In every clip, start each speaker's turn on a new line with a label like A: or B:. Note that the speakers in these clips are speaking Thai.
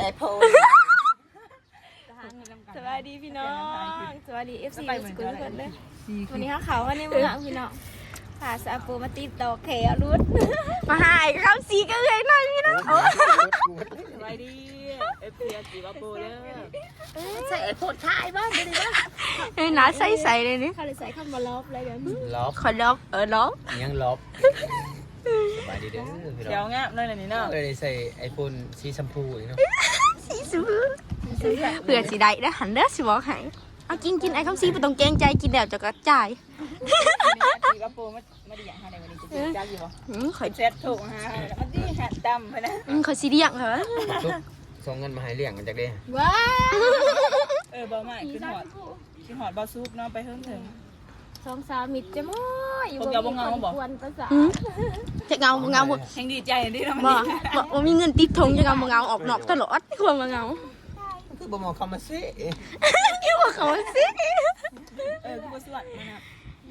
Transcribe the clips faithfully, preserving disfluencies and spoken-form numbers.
A: โพสวัสดีพี่น้องสวัสดีเอฟซีสกุลทุกคนเลยวันนี้ข้าเขาวันนี้มึงอ่ะพี่น้องพาซาปูมาติดต่อแขวรุดมาหายคำสีก็เลยหน่อยพี่น้อง
B: สวัสดีเอฟซีสีบาปูเด้อ
A: ใส่โพดท้ายบ้างเลยนะเฮ้ยน้าใส่ใส่เลยนี่เขาเลยใส่เข้ามาล็อบเลยเดี๋ยว
C: ล็อบ
A: ขอล็อบเออล็อบ
C: ยังล็อบสบายดีเด้อพี่น้อง
B: เดี๋ยวงะนั่นแหละนี่เนาะ
C: เลยใส่ไอโฟนสีชมพูอีกเนาะ
A: สีชมพูเผื่อสีใดนะหันเด้อสิบอกให้เอากินกินไอ้ข้าวซีไปตรงแกงใจกินแล้วจะกระจาย
B: สีบาปูไม่ไม่ได้อย่างไรวันนี้จะกินจ้าอยู่บ่ขอยเซ็ตถูกฮะแล้วมันดีหัดดำไปนะ
A: อืมขอยสีเดียงเหรอ
C: ส่งเงินมาให้เลี้ยงกันจากเด้
A: ว้า
B: เออบ่ใหม่ขึ้นหอดขึ้นหอดบ่ซุปเนาะไปเพิ่มถึง
A: สองสาวมิดจะมั่วอยู่
B: บนเงาบอก
A: จะเงาเงาหมด
B: แห่งดีใจดิเรา
A: บ่บ่บ่มีเงินติดทงจะเงาเงาออกนอกตลอดควรมาเงา
C: คือบ่มองคำมาซิ
A: คือว่าเขาซิ
B: เออคือบ่สวดมันนะ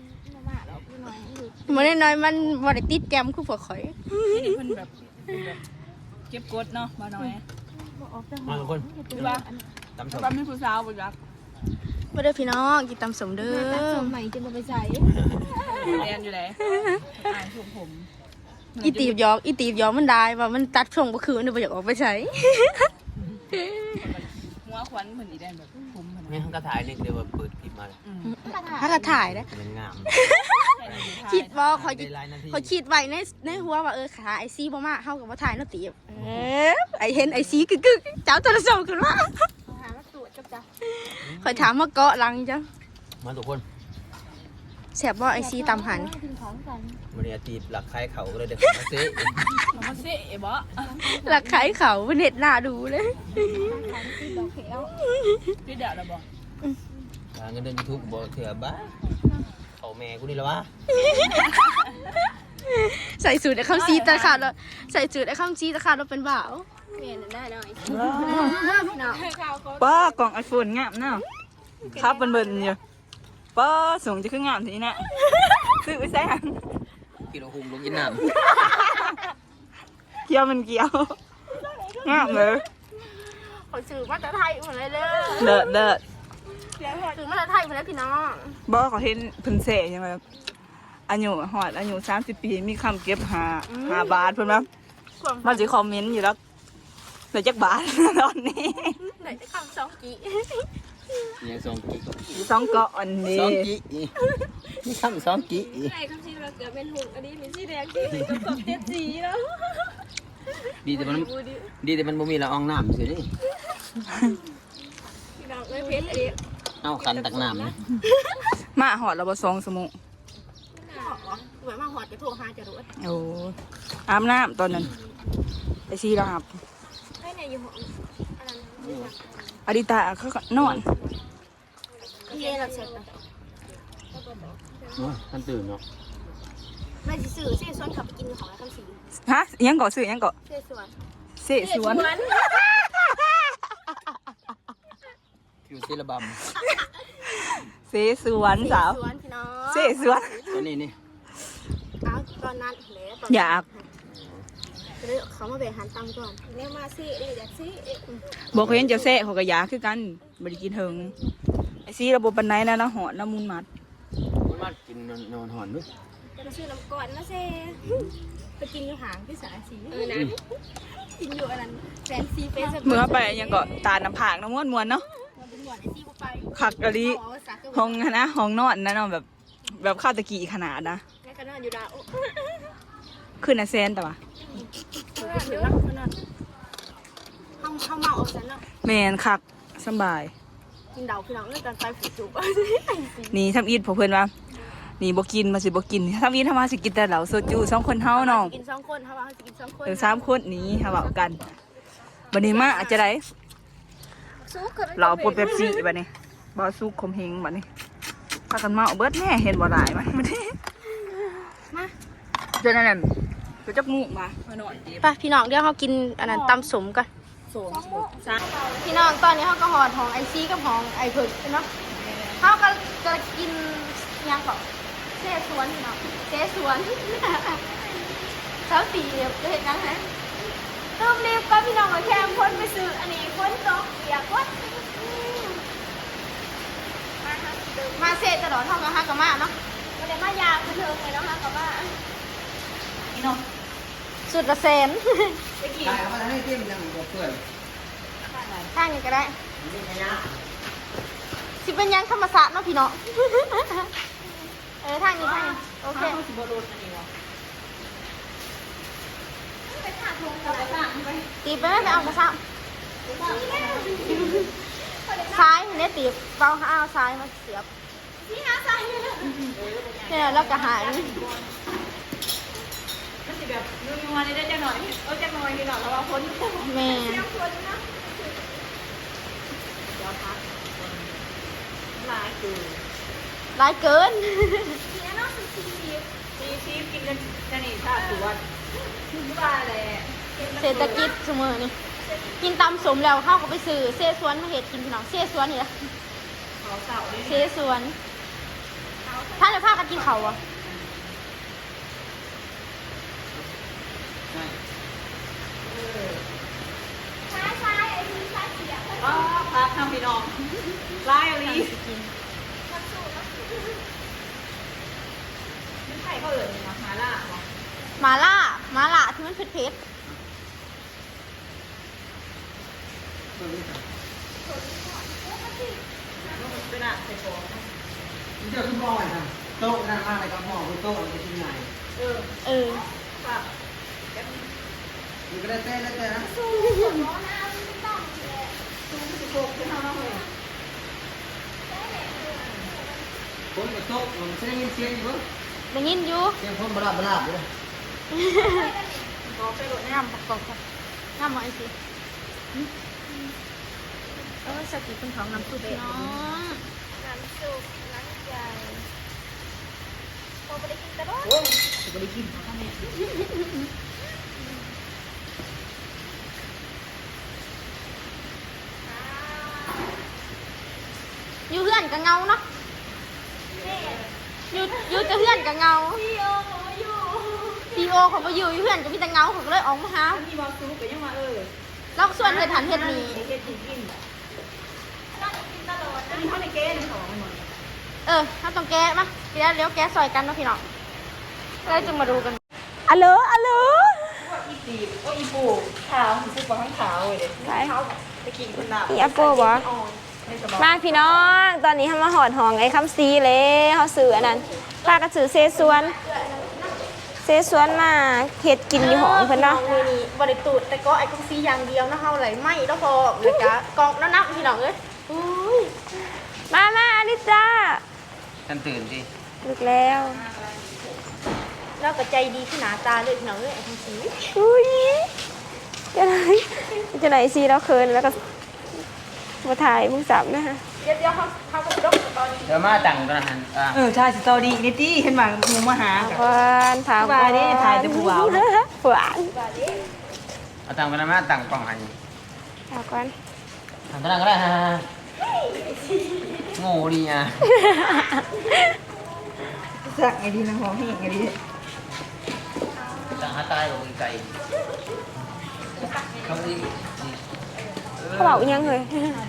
A: มันน้อยมันบ่ได้ติดแกมคือพวกข่อย
B: นี่เพิ่นแบบเก็บกดเนาะบ่น้อย
C: มาทุกคน
B: คือว่าตำส้มตำให้ผู้สาวบ่รัก
A: บ่ได้พี่น้องกินตำสมเด้อตำสมใหม่จะบ่ไปใส่
B: เรียนอยู่ไหนอ่านถูกผม
A: อีตีบยอกอีตีบยอกมันได้ว่ามันตัดช่วงบ่คืนบ่อยากออกไปใช้
B: หัวขวัญเหมือนอีแดนแบบผมเหมือน
C: นี่เขาก็ถ่ายนี่เดี๋ยวเปิดคลิปมาเลย
A: ถ้าก็ถ่ายนะ
C: มันงาม
A: คิดว่าเขาเขาคิดไว้ในในหัวว่าเออขาไอซีบ่มาเฮากับว่าถ่ายเนาะตีบเออไอเห็นไอซีกึกๆเจ้าโทรศัพท์ขึ้นมาหามาตรวจกับจ้ะคอยถามว่าเกาะหลังจัง
C: มาทุกคน
A: แซ่บบ่ไอซีตำหัน
C: มันเนี่ยตีบหลักคล้ายเขาก็เลยเด็กมาเซ่
B: มาเซ่บ่
A: หลักคล้ายเขาเน็ตหน้าดูเลย
B: พี่เดี๋ยวเราบอก
C: เงินเดือนยูทูบบอกเถื่อบ้าเขาแม่กูนี่ละวะ
A: ใส่สูตรไอ้ข้าวซีตะขาดแล้วใส่สูตรไอ้ข้าวซีตะขาดแล้วเป็นบ่าวเมียนได้หน่อย
B: ป้ากล่องไอโฟนงามเนาะครับเบิ่นๆอยู่ป้าส่งจะขึ้นงามทีนี้นะซื้อไปใส่หัน
C: กิโลหุ่มลงยินน้
B: ำเกี่ยวมันเกี่ยวงามเลย
A: ขอซื้อมาจากไทยหมดเลยเลย
B: เด้อเด้อ
A: ซื้อมาจากไทยหมดแล้วพี่น้อง
B: บ่เขาเห็นเพิ่นเสยังไงอายุหอดอายุสามสิบปีมีคำเก็บหาหาบาทเพิ่นมั้ยมันจะคอมเมนต์อยู่แล้วเหลือจักบาทตอนนี้
A: เหลือจักคำสองกี่
C: เนี่ยสองกี่
B: สองเกาะอันนี้
C: สองกี่นี่คำสองกี่
A: ไอ้คำชีเราเกิดเป็นหุ่นอันนี้มีสีแดงที่เป็นกระสอบเจ็ดสีแล้ว
C: ดีแต่มันดีแต่มันบ่มีละอองน้ำสินี่
A: พี่น้องเลยเพชรเอง
C: เอาคันตักน้ำนะ
B: มาหอดเราบ่สองสมุ
A: เหมือนมาหอดจะโทรหาจะรู้
B: โอ้อาบน้ำตอนนั้นไอซีเราอาบ
A: ให้เนี่ยอยู่ห้อง
B: อดิตาเขานอน
A: เย่เราเช็คนะ
C: ท่านตื่นเนาะ
A: ไม่สื่อเสียส่วนขับไปกินของแล้วคำสี
B: ฮะยังเกาะสื่อยังเกาะ
A: เสียส่วน
B: เสียส่วน
C: ผิวเซลบัม
B: เสียสวนสาวเสียสวน
C: ตอนนี้นี่
A: เอาตอนนั้นเลย
B: อยาก
A: เขามาแบ่งหันตังก่อนเนี่ยมาซีเออยากซี
B: บอกเห็นเจ้าเซ่เขาก็อยากคือกันบริกินเถิงไอซีระบบปันไหนนะนะหอดน้ำมูลมัด
C: มูลมัดกินนอนหอนด้วย
A: จะซื้อน้ำก่อนนะเซ่ไปกินอยู่หางที่สาสีเออนะกินอยู่อันนั้นแฟนซีเฟส
B: เมื่อไปยังก็ตาน้ำผากน้ำม้วนม้วนเนาะขักกะลิห้องนะห้องนอนนะเนาะแบบแบบข้าวตะกี้ขนาดนะ
A: แม่ก็นอนอยู่ดาว
B: ขึ้นนะเซนแต่ว่า
A: ห้องห้องเมาออกฉันเนาะ
B: แมนคักสบาย
A: กินเดาคือเราเลิกกันไปฝูจุบ
B: นี่ทำอีทพอเพื่อนว่านี่บกินมาสิบกินทำอีททำมาสิกินแต่เหล่าโซจูสองคนเท่าน้อง
A: กินสองคนเท่าว่าสิกินสองคน
B: เออสามคนนี้เท่ากันบันนี้มาอาจจะได้เราปวดเป๊ปซี่บันนี้บอซุกคมเฮงบันนี้พากันมาเอาเบิร์ดแน่เห็นบ่หลายมั้ยมาดิมาเจอนั่นน่ะไปจับงูมามาหน่อย
A: ไปพี่น้องเดี๋ยวเขากินอันนั้นตำสมกัน
B: สม
A: พี่น้องตอนนี้เขาก็หอดของไอซีกับของไอผึ่งเนาะเขาก็จะกินยังก่อนเซ่สวนเนาะเซ่สวนเช้าตีจะเห็นยังไงต้องรีบก็พี่น้องมาแค่พ้นไปซื้ออันนี้มาเสร็จตลอดเท่ากับฮักกับมาเนาะวันนี้มายามเทิงเลยเนาะฮักกับมา
B: นี่เนาะ
A: สุดละแสน
B: ไปกี่
C: ตายเขามาให้เต็มยังบ่เพื่อน
A: ข้างนี้ก็ได้
C: นี่ไงนะ
A: สิเป็นยังธรรมศาสตร์เนาะพี่เนาะ เออทางนี้ทางนี้โอเค
B: ข้าวสิบโลอันนี้วะไปถากลงกับไปถากไป
A: ตีไปไม่ไปเอากระซับซ้ายเนี่ยตีเบาเอาซ้ายมาเสียบนี่ฮะซ้ายเนี่ยแล้วก็หาย
B: มันสิแบบนัวๆนี่ได้จังหน่อยเออจังหน่อยนี่หน่อยแล้วว่าพ้น
A: แม่
B: เดี๋ยวพักลายคือ
A: ร้ายเกิน
B: ซีซีกินกันจะนี่ถ้าถือว่าว่าแหละ
A: เศรษฐกิจเสมอนี่กินตำสมแล้วเข้าก็ไปซื้อเซสวนมาเห็ดกินพี่น้องเซสวนนี่แหละ
B: ขอเสาด้วย
A: เซสวนถ้าจะพากันกินเขาวอ่ะ
B: อ๋อพักทำพี่น้องลายอะไรไม่ใช่เขาเอ่ยนะมาล่าเหรอ
A: หมาล่าหมาล่าที่มันเผ็ดเผ็ด
B: เป็นอะใส่ฟอง
C: นี่เจ้าคุณพ่อไงโต๊ะนั่งมากเลยครับพ่อคุณโต๊ะมันจะกินไง
B: เออ
A: เออ
B: ค่ะ
C: มันก็ได้เต้นได้เต้นนะ
B: ซูสิโกขึ้นมาเลย
C: คนกับโต๊ะมันจะได้ยินเสียงอยู่
A: ได้ยินอยู่
C: เสียงคนบลาบลาบอยู่เลย
B: ก็ไปโดด
A: งามประกอบค่ะงามหมอไอซีเออสกิเป็นของน้ำซุปเนาะ
D: น้ำซุปน้ำใหญ่พอไปได้กินกระโดด
B: โอ้ยจะไปกินข้าวแม่
A: อยู่เพื่อนกับเงาเนาะอยู่อยู่จะเพื่อนกับเงา
D: พี่โอเขามาอยู่
A: พีโอเขาไปอยู่อยู่เพื่อนกับพี่ตะเงาเขาก็เลยออกมาหา
B: มีบอลซูไปยังมาเออ
A: แล้วส่วนเธอฐานเฮ็ดนี่
B: เฮ็ดกินกิน
D: ต้องกินตลอดนะ
B: มีข้าวในเกนของหมด
A: เออถ้าต้องแก้มาเดี๋ยวเลี้ยวแก้ซอยกันเนาะพี่น้องแล้วจะมาดูกันอัลโหลอัลโหล
B: อีตีโอ้อีปูขาวซื้อปลาข้างขาวเลยเด็กขาวไปกินคนหนา
D: อีอัปโปบ่มาพี่น้องตอนนี้ทำมาหอดหองไอ้คำซีเลยเขาซื้ออันนั้นพากันซื้อเซซวนเซซวนมาเฮ็ดกินอยู่หองเพิ่นเนาะ
A: มือนี้บริตูดแต่ก็ไอ้กุ้งซีอย่างเดียวนะเฮาไหลไหม้แล้วพอเลยจ้ะกองน้ำๆพี่น้องเอ้ยอุ้ย
D: มามาอลิจ้า
C: ท่านตื่นสิ
D: ลึกแล้ว
A: แล้วก็ใจดีขึ้นหนาตาเลยพี่น้องเอ้ยไอ้กุ้งซี
D: อุ้ยจะไหนจะไหนซีแล้วเคินแล้วก็มาถ่ายมึงสับนะฮะ
A: เดี๋ยวเดี๋ยวเขาเขาก็ดกตอนนี้
C: เดี๋ยวมาตั้งตอนนั้นอ่ะ
B: เออใช่สตอรี่นิตี้เห็นว่าหมูมาหา
D: หวานถาม
B: ผู้บ่าวนี่ถ่ายแต่ผู้บ่าวเนอะ
D: หวาน
C: เอาตั้งตอนนั้นมาตั้งกล่องหัน
D: ถามก่อน
C: ตั้งตอนนั้นก็ได้ฮะโง่ดีอ่ะ
B: สักไงดีนะหอมเฮงไงดี
C: ตั้งหาตายกับไก่เขาดี
D: เขาบอกอีหยังเลย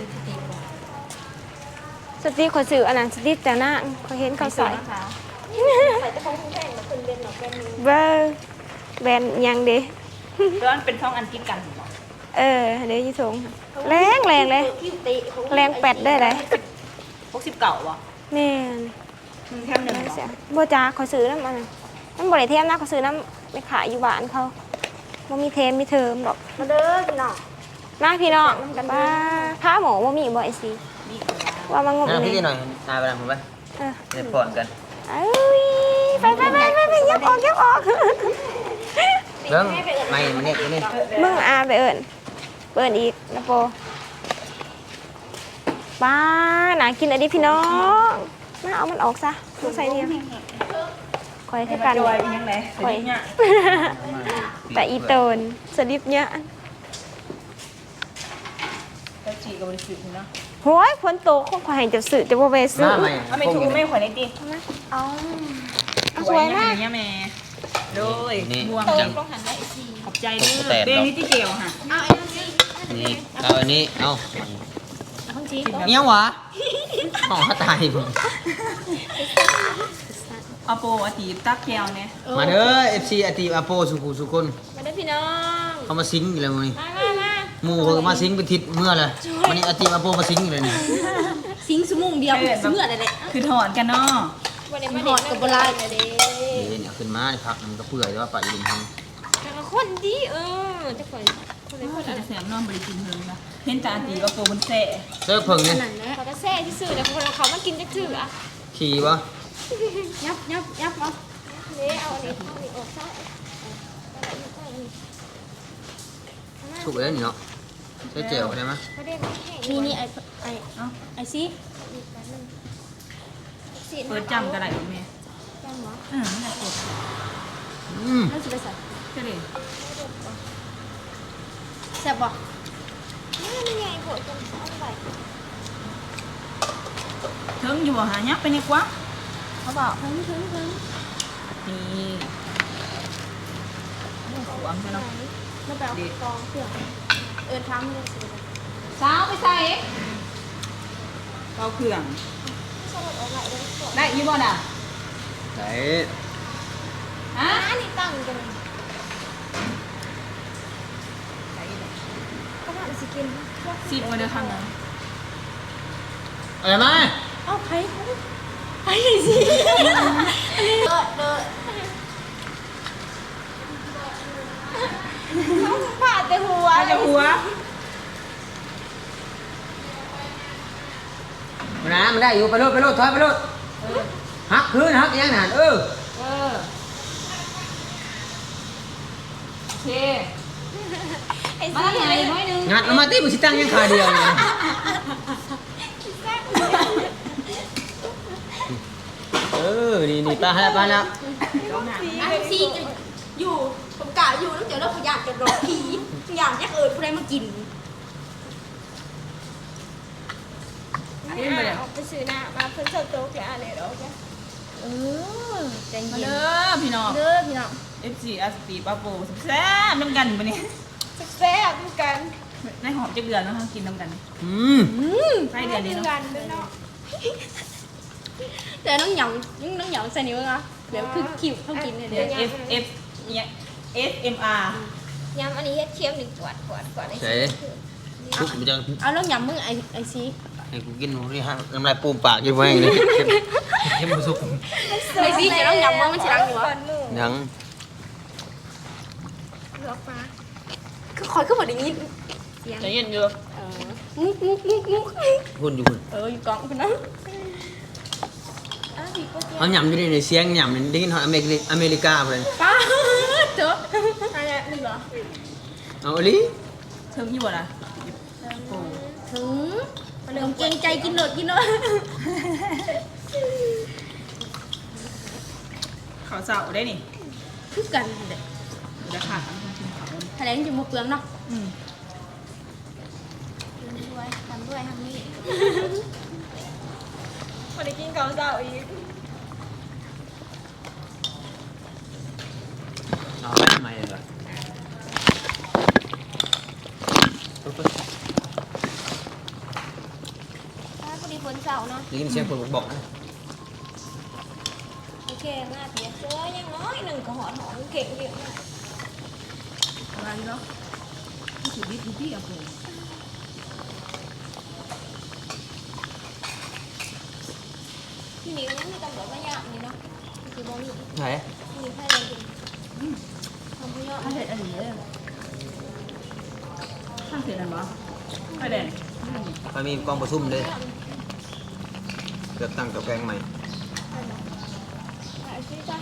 D: สติ๊กขอสื่ออันนั้นสติ๊กแต่หน้าเขาเห็นเขาใส่
A: ใส่จะของคุณแพงมาคุณเบนหนอกแกนนี้
D: เบอร์แบรนด์อิหยังเด้
B: แล้วมันเป็นท้องอันกินกัน
D: เออเดี๋ยวยี่ทงแรงแรงเลย
A: คิวเตะเขา
D: แรงแปดได้เลย
B: พวกสิบเก่าวะ
D: แม่น
B: แค่หนึ่ง
D: เสียโบจ้าขอซื้อน้ำมันมันบริเทมนะขอซื้อน้ำไปขายอยู่บ้านเขาบ่มีเทมมีเทอมหรอก
A: มาเด้อพี่น้อง
D: มาพี่น้องป้าผ้าหมอบ่มีบ่ไอซีว่ามางม
C: นั่งพี่
D: นี่
C: หน่อยนายไปทำผมไป
D: เออ
C: เดี๋ยวผ่อนกัน
D: เอ้ยไปไปไปไปไปยับออกยับออก
C: เรื่องไม่มันเนี่ยนี่
D: มึงอาไปเอิญเปิดอีกนะโปป้าหนากินอะไรดิพี่น้องมาเอามันออกซะมึงใส่เนี่ยคอยให้กัน
B: จอยเป็นยังไงคอยเนี่ย
D: แต่อีโตนสลิปเนี่ย
B: แล้วจีกับบริสุทธิ์เนาะ
D: โห้ยพ้นโตคงขอให้จะสื่อจะบ่ไป
C: ห
D: ซื้อ
C: น้าไม่
B: เอาไม่ถูกไม่ขวัญในตี
D: เอาเอาสวยมาก
B: เนี่ยแม่โดย
C: นี่
B: บวง
C: จัง
B: ขอบใจเด้อเบนี่ที่เกี่ยวค่ะ
A: เอาไอ้นั่นสิ
C: นี่เอาอันนี้เอา
A: ของจี
C: เนี้ยวะหมอตายผม
B: เอาโปอาตีตักแก้วเนี่ย
C: มาเด้อ เอฟ ซี อาตีอาโปสุขุสุคน
D: มาได้พี่น้อง
C: เขามาซิงอีกแล้วมื้อนี้
D: มามามา
C: หมู่เขาก็มาซิงเป็นทิศเมื่อเลยวันนี้อาตีอาโปมาซิงอีกแล้วนี่
A: สิงสมุงเดียวเมื่อไรเลย
B: คือถอนกันเนาะ
D: วันนี้มาเด็กกับโบราณเลยเด้
C: เดี๋ยวเนี่ยขึ้นมานี่พักมันก็เปื่อยแต่ว่าไปลุมทาง
D: แต่ละคนดีเออจะคนคนไหนคนอะไร
B: แสบน้องบริกินเพิ่งนะเห็นตาตีว่าโปมันแสะ
C: เซิร์ฟเพิ่งนี่
A: นั่นแหละ
D: เขาจะแซ่ที่สื่อแต่คนเราเขามากินจะถืออ่ะ
C: ขี่วะ
A: ยับยับยับเอา
D: เด้เอาอันนี้เอาอันนี้ออกซะ
C: ถูกแล้วนี่เนาะใช้เจลได้ไหม
D: เขาได้มาแห้ง
A: นี่นี่ไอไอไอซี
B: เปิดจำกระไรของแม่
D: จำเหรอ
B: อืมไม่ได้กด
C: อืม
A: นั่นสิไปใส่
B: ก็เลย
A: แซ่บบ่
D: นี่ไงปวดจนเอาไป
B: เทิงอยู่บ่หายักไปเนี่ยกว่าเขาบอก
A: ถึงถึงถึง
B: นี่หวงใช่เนาะ
A: แล้วไปเอากองเครื่องเอินทำเลยสิ
B: สาวไปใส่เอาเครื่อง
D: สลัดเอาไหลเลยปวด
B: ได้ยี่บ่น่ะ
C: ใส่
B: ฮะ
D: อันนี้ตั้งกันเขาบอกสิกิน
B: สิบมาเดือครั้งนึง
C: อะไรมา
A: เอาไผ่ไผ่สิเลิศเลิศ
D: เขาผ่าแต่หัว
B: เอาจะหัว
C: มันนะมันได้อยู่ไปโลดไปโลดถอยไปโลดฮักคืนฮักยังหนานเออ
B: เออโอเค
D: ไอ้
B: มา
D: สิ
B: ไหนน้อยนึง
C: งัดเอามาตีมันสิตั้งยังขาเดียวเนี่ยเออนี่นี่ปลาแล้วปลาแล้ว
A: ไอซีจะอยู่ผมกะอยู่แล้วเดี๋ยวเราขยันจะรอผีอยากยักเอิญผู้ใดมากิน
D: ออกไปซื้อหน้ามาเพิ่นเสิร์ฟโต๊ะแกอะไรหรอก
A: เออใจ
B: มา
A: เย็น
B: เด้อพี่น้อง
A: เด้อพี่น้อง
B: เอฟซีอาสตีปาโปแซ่บน้ำกันปะเนี่ย
D: แซ่บด้วยกัน
B: ในหอมจะเดือนแล้วเขากินน้ำกัน
C: อืม
B: ใช่เดือนนี้
D: ด้วย
B: เนาะ
D: กันด้วยเนาะ
A: แต่น้องหยองยังน้องหยองใส่นิ้วอ่ะเดี๋ยวคือคิวเขากินเนี่ย
B: เดี๋
A: เดี๋
B: ย
A: ยว ว
B: F F เนี่ย F M R
D: ยำอันนี้เฮ็ดเค็มหนึ่งกวดกวดกวดไอ้
C: ใส่ทุกมันจะ
A: เอาแล้วหยำมึงไอไอซี
C: ให้กูกินนี่ฮะน้ำลายปูมปากอยู่ไว้เลยเข้มเข้มบุสุก
A: ไอซีจะต้องหยำมึงมันสิรังอยู่วะ
C: ยัง
D: เหลือฟ้า
A: คือคอยขึ้นมาอย่างนี้
B: ใจเย็นอยู่
A: เออมุกมุกมุกมุก
C: หุ่นอยู่หุ่น
A: เอออยู่กองคุณนะ
D: อ้าวพี่ก็เจีย
C: เขาหยำอยู่ในเสียงหยำนี่ได้ยินเขาอเมริกาอเมริกาเลย
A: ป้าเจออะไรนี่เหรอ
C: เอาอีหลิ
B: เทิงอยู่บ่ล่ะโอ้
A: ถึงเริ่มเกรงใจกินหนดกินหนด
B: ขาวเสาได้นี่
A: คือกันเด็ก
B: เดี๋ยวขาดกินขาว
A: แถลงจะมาเปลืองเนาะ
B: อืม
D: ด้วยทำด้วยทำนี่พอได้กินข้าวเช้าอีก
C: เอาไปทำไมเลย
D: อ้าวพอดีฝนเช้าเนาะ
C: ได้ยินเสียงคนบอกนะ
D: โอเคหน้าเปียกเจอยังน้อยหนึ่งก็หอดหอมเก่งเยอะมาก
B: อะไรเนาะที่สุดดิบพี่เอาไป
D: ที่นี่ยังมีตำรวจมาหยาบนี่เนาะคือบ่มี
C: ไหน
D: มีแค่เดินกินทำผู้ยอด
B: ถ้าเสร็จอันนี้เลยถ้าเสร็จอันวะไปแดง
C: ไปมีกองประชุมเลยเกือบตั้งกับแกงใหม่
D: หาซื้อจ้ะ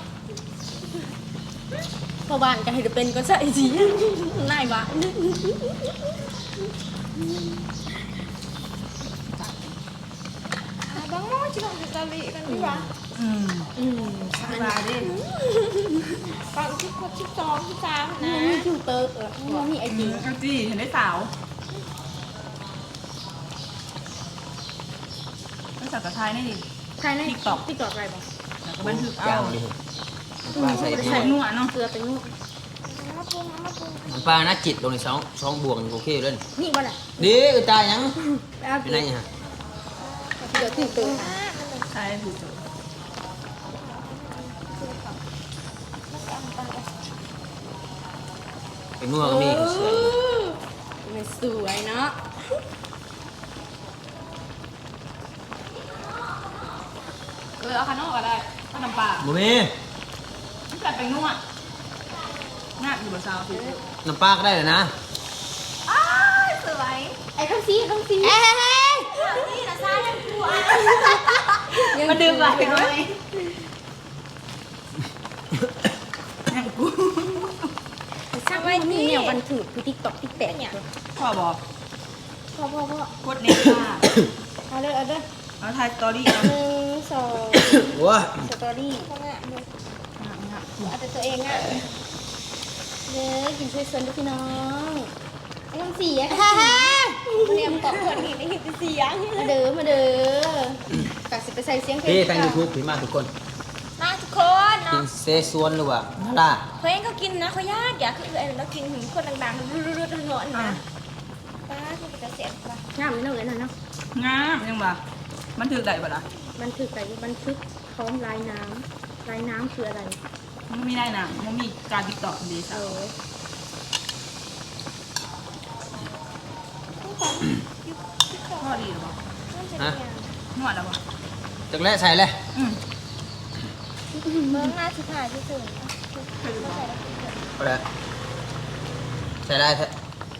A: พอบ้านจะให้เป็นก็ใส่สีนายบ้าน
D: บางม้อที่เราจะตะลีกันดีกว่า
B: อืม
A: อืม
B: สบายดิ
D: ฟังที่ครบที่สองที่สามนะ
A: มันมีคิวเตอร์เออมันมีไอ
B: อื
A: จี
B: มเอาจี้เห็นได้สาวไม่สักกระทายนี่ดิ
A: ใช่ไหมติ๊กตอกติ๊กตอกอะไรบ้าง
B: แล้วก็บันทึก
C: จา
B: เอา
C: งดิปลาใส่
B: ใส่นัวเนาะ
A: เกลือเป็นนู่น
D: มาปรุงมาปรุง
C: มันปลาหน้าจิตลงในสองสองบวงโอเคเลย
A: นี่บ่แหละ
C: ดีตายยัง
A: แล้ว
C: เป็นไงฮะ
A: โอเคเดี๋ยวถูกตัว
B: ใช่ถูก
C: เป็นง่วงมีเสือ
A: ไม่สวยเนาะ
B: เออเอาขนมก็ได้ขนมปลา
C: บ่มี
B: แต่เป็นนุ่มอ่ะน่าอยู่บนซาวสิ
C: น้ำปลาก็ได้เลยนะ
B: อ้าวสวย
A: ไอ้ข้างซีข้างซี
D: เอ้ยนี่นะซ่ายังกลัว
B: มาดื่มไปไหมยังกู
A: ช่างไว้นี่เนี่ยวันถือคือติ๊กต็อกติ๊กแตกเนี่ย
B: พ่อบอก
A: พ่อพ่อพ่อก
B: ดเน็ตค่ะ
A: เอาเลยเอาเลย
B: เอาถ่ายสตอรี่เอา
A: หนึ่งสอง
C: ว้า
A: สตอรี่
D: พ่องะเลยเอาแต่ตัวเองอ่ะ
A: เด้อกินช่วยเซินด้วยพี่น้องไอ้ข้างซีอะ
D: ฮ่าฮ่าเรียมตอบคนนี้นี่คือเสียง
A: มาเด้อมาเด้อกะสิไปใส่เสียงเพลง
C: พี่ทางยูทูบพี่มาทุกคน
D: มาทุกคน
C: กิ
D: เนาะ
C: นเซซวนหรือว่านาล่า
D: เพลงเขากินนะเขาญาติอยากคือไอ้เรากินถึงคนดังๆรุดๆหนวดนะป้าที่จะเสียป่ะ
A: งามไม่ต้องเลยนะเนาะ
B: งามยังบ่มันถือได้บ่ล่ะ
A: บันทึกไปบันทึกพร้อมลายน้ำลายน้ำคืออะไร
B: มันไม่ได้นะมันมีการติดต่อดี
A: เอ
B: สาว
A: อ
B: พ่อดีหรือเปล่า
C: ฮะ
B: นวดหรือเปล่า
C: จักแรกใส่เลย
B: อืม
D: เมืองหน้าชิถ่ายที่สุด
B: เคยดูป่ะ
C: เอาเลยใส่ได้แท้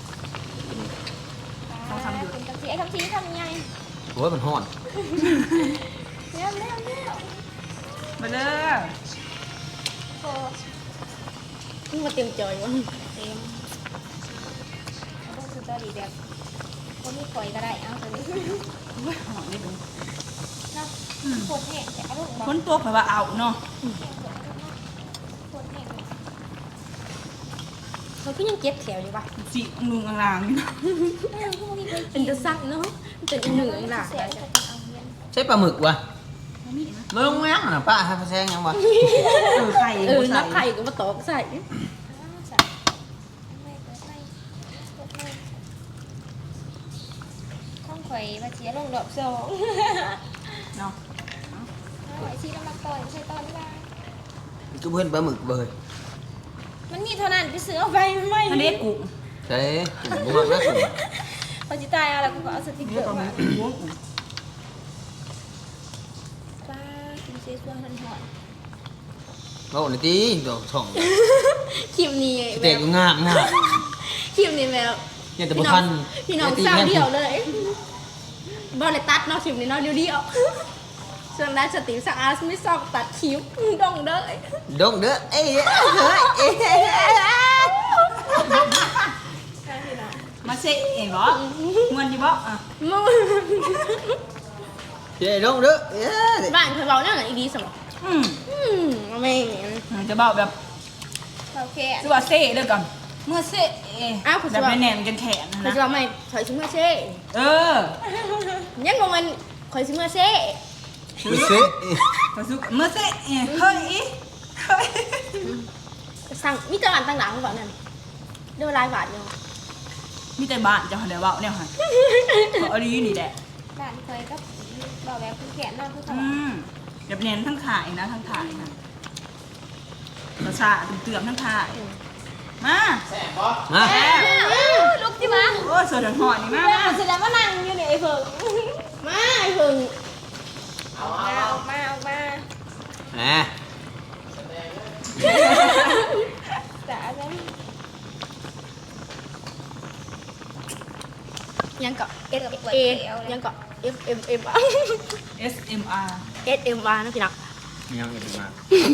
D: เป็นคำชี้ไอ้คำชี้ทำยังไง
C: โอ้ยมันฮ้อน
D: เร็วเร็วเร็ว
B: มาเด้อ
D: โอ้
A: เพิ่งมาเต็มจอยวะ
D: เต็มต้องสุดยอดดีแบบคนที่คอยก็ได้เอาตัวนี้
B: โอ้ยหอมนี่ดู
D: นะปวดแห้งแต่อารมณ์
B: คนตัวเผยว่าเอาเนาะ
D: ปวดแห้ง
A: เขาก็ยังเก็บแถวอยู่ปะ
B: สีลุงลางๆนี่เนาะ
A: เป็นจะซักเนาะเป็นอีหนึ่งหลัก
D: เสียจะเอาเงิน
C: ใช่ปลาหมึกวะมาลงแม่งน่ะป้าให้พะแซงยังวะ
B: เออไข่
A: เออ
B: ใส่
A: นับไข่ก็มาตอกใส่
D: ข้องข่อยมาเชียร์ลงดอกสอง
B: เนาะ
D: ไอ้ชีน้ำมันต่อยใช่ตอนนี้
C: กูเพื่อนปลาหมึกเบย
D: มันมีเท่านั้นไปซื้อเอาไปไม่
B: อันนี้กุ้ง
C: ใช่บุ้งมากนะกุ้ง
D: พอจิตายเอาแล้วกูก็เอาสติ๊กเก
B: นี่
D: อร์
B: ก็มี
D: มา
B: กุ้ง
D: ป้ากินเซซัวทันหอน
C: เราหน่อยตีดอกช่อง
A: คลิปนี้
C: สเต็กงามงาม
A: คลิปนี้แมว
C: เนี่ยแต่บุทัน
A: พี่น้องสาวเดียวเลยบอลเลยตัดเนาะคลิปนี้เนาะเดียวเดียวส่วนด้านสติสะอาดไม่ซอกตัดคิ้วดองเด้อ
C: ดงเด้อเอ้ยเฮ้ยเอ้ย
B: มาเซะเองเหรอเงินอยู่บ่อ่ะ
A: มึง
C: เฮ้ยดงเด้อเอ้ย
A: บ้านเคยบอกนั่นแหละอีดีสมอง
B: อืม
A: อืมแม่ง
B: จะบอกแบบ
D: โอเค
B: คือว่าเซ่เด้อกันเมื่อเซ่แบบแน่นๆกันแขน
A: เคย
B: นะ
A: จะบอกไม่ถอยชิเมื่อเช่
B: เออ
A: ยังงงมันคอยชิเมื่อเช่
C: ไม่ซื้อ
B: ก็สุกเมื่อเซ่เฮ้ยเฮ้ย
A: สั่งมีตลาดต่างๆก่อนนั่นเดี๋ยวลายบาทเดียว
B: มีแต่บ้านจะหันเดี๋ยวเบาเนี่ยหันเอาดีนี่แหละ
D: บ้านเคยก็บอกแบบคือแขนนอนคือเขา
B: อืมแบบเน้นทั้งถ่ายนะทั้งถ่ายนะกระชาเตือมทั้งถ่ายมา
C: มา
D: ลุกจิมา
B: โอ้เสือถึงหอนี่มา
D: แล้วเสร็จแล้วมานั่งอยู่ในไอ้เพิง
A: มาไอ้เพิ่ง
D: ออกมาออกมาออกมา
C: แหม
D: แต่อะไร
A: ยังเกาะ
D: เอ็ดกับปวด
A: เอ
D: เอว
A: ยังเกาะ F M M
B: S M R
A: S M R นะพี่นัก
C: ยังอีกมา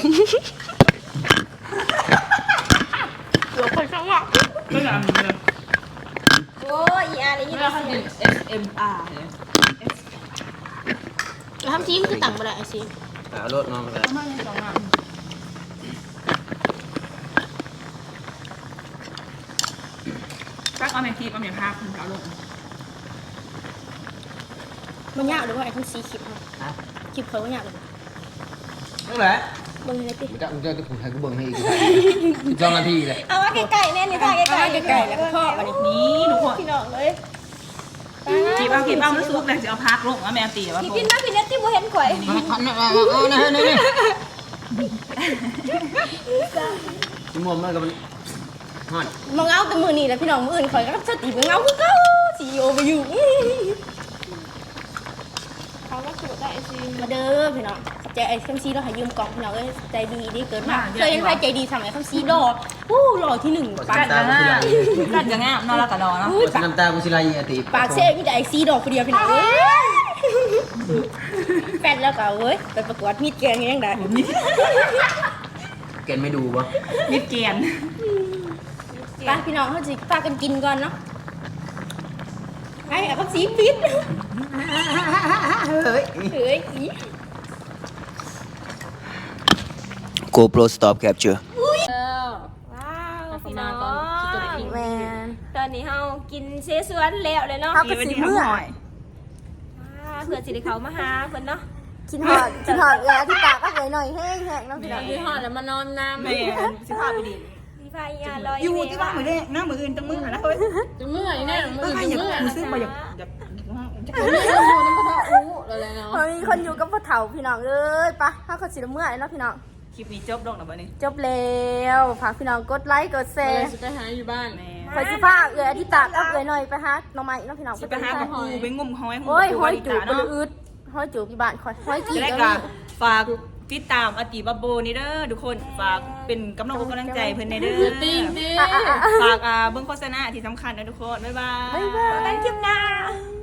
A: เดี๋ยวคนข้างนอก
B: ก็อย่างนี้เลย
D: โอ้ยอีอาร์นี่ยี่
B: เรา
D: ห้อ
B: ทำเป็น S M R เลย
A: แล้วทำซีมันคือต่างไปเลยไอซี
C: เอารถน้องเลย
B: มาในสองงานตักเอาแม่ทีเอาแม่ภาพคุณเอาลง
A: มันยากหรือว่าไอ้ทั้งซีคลิปครับ
C: ฮะ
A: คลิปเขาว่ายากเลย
C: นั่นแหละ
A: เบิ่งในติ
C: มันจะมันจะจะผมให้กูเบิ่งให้อีกสองนาทีเลย
D: เอาว่าไก่ๆแน่นี่ท่าไก่ๆ
A: ไก่ๆแล้วก็พ่อวันนี้
B: นี่ทุกคน
D: พี่น้องเลย
A: ที
B: ขีบเอาขีบเอาแล้วซุกเลยจะเอาพักลงว่าแม่ตีว่า
D: พี่พินมาพี่เน็ตที่บ่เห็นข่อย
C: ขันนะเอานะนี่นี่ชั่วโมงมันก็มันฮอด
A: มาเงาแต่มือนี่แหละพี่น้องมืออื่นข่อยก็สติมาเงาคือเก่าซีโอไปอยู่
D: เขาก็สูดได้สิ
A: มาเด้อพี่น้องใจไอ้คำซีเราให้ยืมกล่องพี่น้องเอ้ยใจดีดีเกินมากเคยเห็นใครใจดีสมัยคำซีดอกวู้หล่อที่หนึ่งปา
B: กั
A: ก
B: ดกันง่ายกัดกันง่ายนอนแล้วก็นอนเนาะ
A: อุ้ยปาก
C: น้ำตากูสิลายยีติ
A: ปากเซ่มีแต่ไอ้ซีดอกคนเดียวพี่น้องเอ้ยแฟนแล้วก็เว้ยไปประกวดมีดแกงยังไง
C: เกณฑ์ไม่ดูวะ
B: มิดเกียน
A: ไปพี่น้องเขาจะพากันกินก่อนเนาะไอ้คำซีปิด
C: เฮ้ย
A: เฮ้ยอี
C: GoPro stop capture
D: ว้าวพี่น้อง
A: แมน
D: ตอนนี้เฮากินเซสวนแล้วเลยเนาะ
A: ครับ ก็สิเมื่อ
B: หน่อย
D: ว้าเพื่อสิได้เขามาหาเพิ่นเนาะ
A: กินหอดกินหอดเออที่ปากก็เลยหน่อยแห้งแห้งๆเนาะพี่น้อง
D: กินหอดแล้วมานอนน้ำ
B: แม่สิพาไปดิ
D: พี่พายาลอย
B: อยู่ที่บ้านมือเด้หน้ามืออื่นจังมือนะเฮ้ย
E: จะเมื่อยแน่เมื่
B: เอ
E: อ
B: อย ใคร
E: จะ
B: อยาก
E: เมื่อย
B: กูซื้อมาอยากอยาก
E: ผมไม่ได้ดูน้ำกระเพาะอู้อะไรเนาะ
A: พอมีคนอยู่กับพ่อเฒ่าพี่น้องเอ้ยไปะถ้าเขาสิเมื่อเนาะพี่น้อง
B: คลิปนี้จบลงแล้วบ่นี่
A: จบแล้วฝากพี่น้องกดไลค์กดแช
E: อะไร
A: ร์
E: จะไปหาอยู่บ้าน
B: แม่
A: คอยสิพาเอื้ออธิตากับเอื้อหน่อยไปหาหน่อไม้เนาะพี่น้อง
B: สิไปหากับกูไปงมหอย
A: โอ้ยหอยจูบ
B: เนาะ
A: บ่อืดหอยจูบที่บ้านคอยหอยจี
B: จะ
A: บ
B: ได้
A: ก็
B: กั
A: มี
B: ฝากติดตามอติบาโบนี่เด้อทุกคนฝากเป็นกำลังอกกำลังใจเพิ่นในเด้อ
E: ติ้งดิ
A: อ่ะอ่ะอ่ะ
B: ฝากอ่าเบิ่งโฆษณาที่สำคัญนะทุกคนบ๊ายบาย
A: บ๊ายบาย
D: กันคลิปหน้า
A: บ